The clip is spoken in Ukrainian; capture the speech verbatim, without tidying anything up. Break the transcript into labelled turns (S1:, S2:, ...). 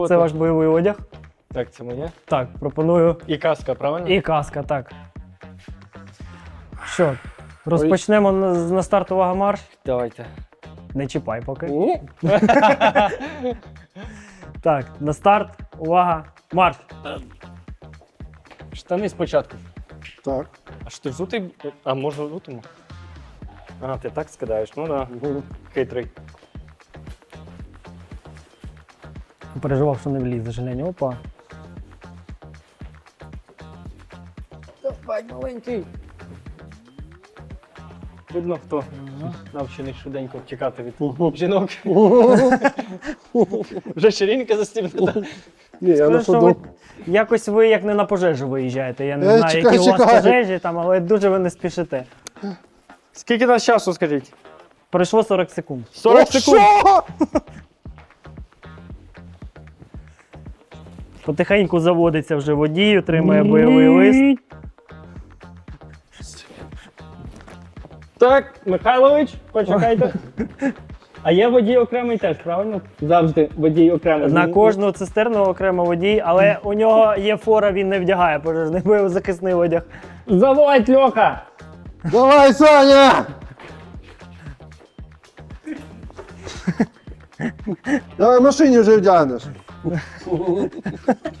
S1: Це ваш бойовий одяг.
S2: Так, це моє.
S1: Так, пропоную.
S2: І каска, правильно?
S1: І каска, так. Що, розпочнемо на, на старт, увага, марш.
S2: Давайте.
S1: Не чіпай поки. Так, на старт, увага, марш.
S2: Штани спочатку.
S3: Так.
S2: А що ти взутий? А може взутому? А, ти так скидаєш, ну да. Хитрий.
S1: Переживав, що не влізе, Женя. Опа.
S2: Давай, маленький. Видно, хто навчений швиденько втікати від жінок. Вже ширинка застібнута.
S3: Ні, я
S1: Скажу,
S3: на
S1: що
S3: ходу.
S1: ви, якось ви як не на пожежу виїжджаєте. Я не
S3: Е,
S1: знаю,
S3: чекай,
S1: які у вас
S3: чекай.
S1: пожежі там, але дуже ви не спішите.
S2: Скільки нас часу, скажіть?
S1: Пройшло сорок секунд.
S2: сорок
S3: О,
S2: секунд.
S3: що?
S1: Потихеньку заводиться вже водій, отримує бойовий лист.
S2: Так, Михайлович, почекайте. А є водій окремий теж, правильно? Завжди водій окремий.
S1: На кожну цистерну окремо водій, але у нього є фора, він не вдягає пожежний бойовозахисний одяг.
S2: Заводь, Льоха!
S3: Давай, Саня! Давай в машині вже вдягнеш.